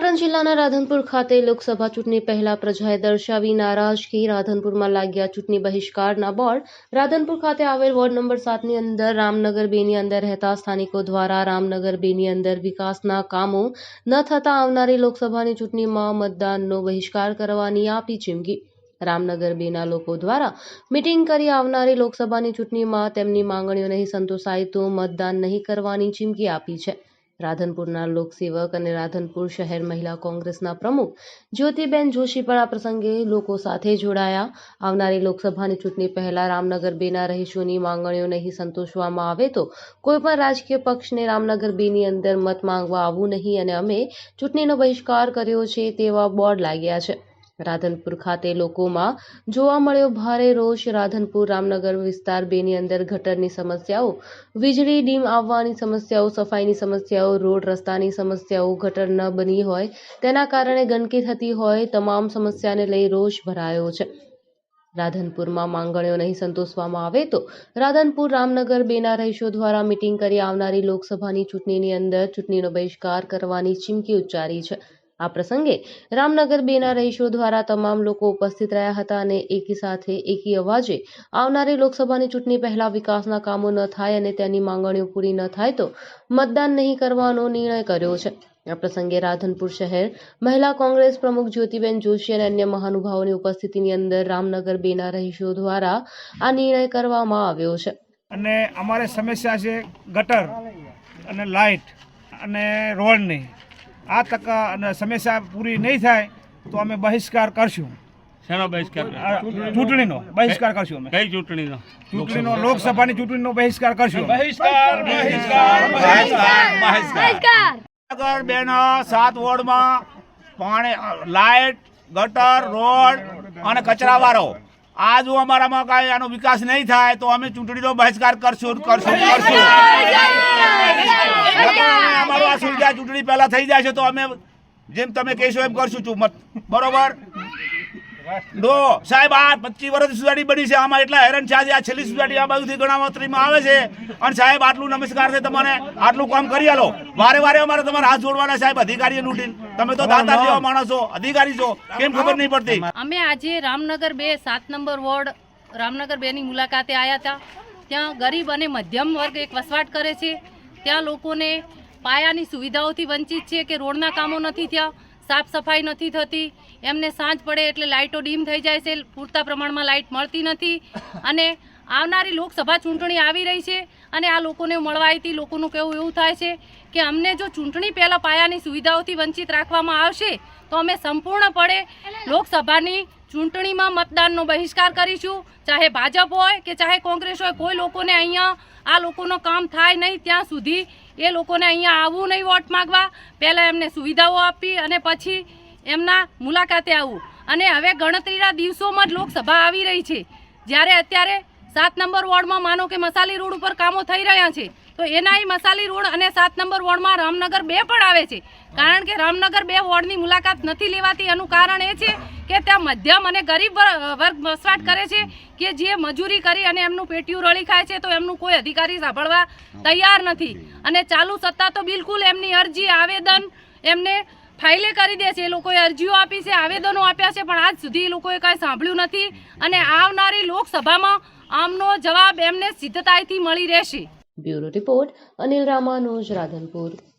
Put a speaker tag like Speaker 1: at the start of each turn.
Speaker 1: પાટણ જિલ્લાના રાધનપુર ખાતે લોકસભા ચૂંટણી પહેલા પ્રજાએ દર્શાવી નારાજગી. રાધનપુરમાં લાગ્યા ચૂંટણી બહિષ્કારના બોર્ડ. રાધનપુર ખાતે આવેલ વોર્ડ નંબર 7ની અંદર રામનગર 2ની અંદર રહેતા સ્થાનિકો દ્વારા રામનગર 2ની અંદર વિકાસના કામો ન થતા આવનારી લોકસભાની ચૂંટણીમાં મતદાનનો બહિષ્કાર કરવાની આપી ચીમકી. રામનગર 2ના લોકો દ્વારા મિટિંગ કરી આવનારી લોકસભાની ચૂંટણીમાં તેમની માંગણીઓ નહીં સંતોષાય તો મતદાન નહીં કરવાની ચીમકી આપી છે. રાધનપુરના લોકસેવક અને રાધનપુર શહેર મહિલા કોંગ્રેસના પ્રમુખ જ્યોતિબેન જોશી પણ આ પ્રસંગે લોકો સાથે જોડાયા. આવનારી લોકસભાની ચૂંટણી પહેલા રામનગર 2ના રહીશોની માંગણીઓ નહીં સંતોષવામાં આવે તો કોઈપણ રાજકીય પક્ષને રામનગર 2ની અંદર મત માંગવા આવવું નહીં અને અમે ચૂંટણીનો બહિષ્કાર કર્યો છે તેવા બોર્ડ લાગ્યા છે. રાધનપુર ખાતે લોકોમાં જોવા મળ્યો ભારે રોષ. રાધનપુર રામનગર વિસ્તાર 2ની અંદર ગટરની સમસ્યાઓ, વીજળી ડીમ આવવાની સમસ્યાઓ, સફાઈની સમસ્યાઓ, રોડ રસ્તાની સમસ્યાઓ, ગટર ન બની હોય તેના કારણે ગંદકી થતી હોય, તમામ સમસ્યાને લઈ રોષ ભરાયો છે. રાધનપુરમાં માંગણીઓ નહીં સંતોષવામાં આવે તો રાધનપુર રામનગર 2ના રહીશો દ્વારા મિટિંગ કરી આવનારી લોકસભાની ચૂંટણીની અંદર ચૂંટણીનો બહિષ્કાર કરવાની ચીમકી ઉચ્ચારી છે. આ પ્રસંગે રામનગર 2ના રહીશો દ્વારા તમામ લોકો ઉપસ્થિત રહ્યા હતા અને એકી સાથે એકી અવાજે આવનારી લોકસભાની ચૂંટણી પહેલા વિકાસના કામો ન થાય અને તેની માંગણીઓ પૂરી ન થાય તો મતદાન નહીં કરવાનો નિર્ણય કર્યો છે. આ પ્રસંગે રાધનપુર શહેર મહિલા કોંગ્રેસ પ્રમુખ જ્યોતિબેન જોશી અને અન્ય મહાનુભાવોની ઉપસ્થિતિની અંદર રામનગર 2ના રહીશો દ્વારા આ નિર્ણય કરવામાં આવ્યો છે.
Speaker 2: અને અમારે સમસ્યા છે ગટર અને લાઇટ અને રોડની. આ તક અને સમસ્યા પૂરી નહીં થાય તો અમે બહિષ્કાર કરશું.
Speaker 3: શેનો બહિષ્કાર?
Speaker 2: ચૂંટણીનો બહિષ્કાર કરશું. અમે
Speaker 3: કઈ ચૂંટણીનો?
Speaker 2: ચૂંટણીનો, લોકસભાની ચૂંટણીનો બહિષ્કાર કરશું. નગર 2ના 7 વોર્ડમાં પાણી, લાઇટ, ગટર, રોડ અને કચરાવાળો આ જો અમારામાં કાંઈ આનો વિકાસ નહીં થાય તો અમે ચૂંટણીનો બહિષ્કાર કરશું. અમારું આ સુવિધા ચૂંટણી પહેલા થઈ જાય છે તો અમે જેમ તમે કહેશો એમ કરશું. બરોબર? નો સાહેબ, આ 25 વર્ષથી સોસાયટી બની છે, આમાં એટલા હેરાન છે. આ છેલ્લી સોસાયટી આ બાજુથી ગણાવતરીમાં આવે છે અને સાહેબ આટલું નમસ્કાર છે તમને, આટલું કામ કરી આલો. વારે વારે અમારે તમારે હાથ જોડવાના સાહેબ, અધિકારીએ લૂંટીને. તમે તો દાતા જેવા માણસ છો, અધિકારી છો, કેમ ખબર નહીં પડતી?
Speaker 4: અમે આજે રામનગર 2 7 નંબર વોર્ડ રામનગર 2ની મુલાકાતે આવ્યા હતા. ત્યાં ગરીબ અને મધ્યમ વર્ગ એક વસવાટ કરે છે. ત્યાં લોકોને પાયાની સુવિધાઓથી વંચિત છે કે રોડના કામો નથી થયા, સાફ સફાઈ નથી થતી, એમને સાંજ પડે એટલે લાઇટો ડીમ થઈ જાય છે, પૂરતા પ્રમાણમાં લાઇટ મળતી નથી. અને આવનારી લોકસભા ચૂંટણી આવી રહી છે અને આ લોકોને મળવા આવી લોકોનું કહેવું એવું થાય છે કે અમને જો ચૂંટણી પહેલાં પાયાની સુવિધાઓથી વંચિત રાખવામાં આવશે તો અમે સંપૂર્ણપણે લોકસભાની ચૂંટણીમાં મતદાનનો બહિષ્કાર કરીશું. ચાહે ભાજપ હોય કે ચાહે કોંગ્રેસ હોય, કોઈ લોકોને અહીંયા આ લોકોનું કામ થાય નહીં ત્યાં સુધી એ લોકોને અહીંયા આવવું નહીં વોટ માગવા. પહેલાં એમને સુવિધાઓ આપી અને પછી એમના મુલાકાતે આવવું. અને હવે ગણતરીના દિવસોમાં જ લોકસભા આવી રહી છે. જ્યારે અત્યારે 7 નંબર વોર્ડમાં માનો કે મસાલી રોડ ઉપર કામો થઈ રહ્યા છે તો એનાય મસાલી રોડ અને 7 નંબર વોર્ડમાં રામનગર 2 પણ આવે છે. કારણ કે રામનગર 2 વોર્ડની મુલાકાત નથી લેવાતી એનું કારણ એ છે કે ત્યાં મધ્યમ અને ગરીબ વર્ગ વસવાટ કરે છે કે જે મજૂરી કરી અને એમનું પેટીયું રળી ખાય છે તો એમનું કોઈ અધિકારી સાંભળવા તૈયાર નથી. અને ચાલુ સત્તા તો બિલકુલ એમની અરજી, આવેદન એમને ફાઇલે કરી દે છે. એ લોકોએ અરજીઓ આપી છે, આવેદનો આપ્યા છે, પણ આજ સુધી એ લોકોએ કાંઈ સાંભળ્યું નથી. અને આવનારી લોકસભામાં આમનો જવાબ એમને સિદ્ધતાઈથી મળી રહેશે.
Speaker 1: Bureau report, Anil Ramanuj, Radhanpur.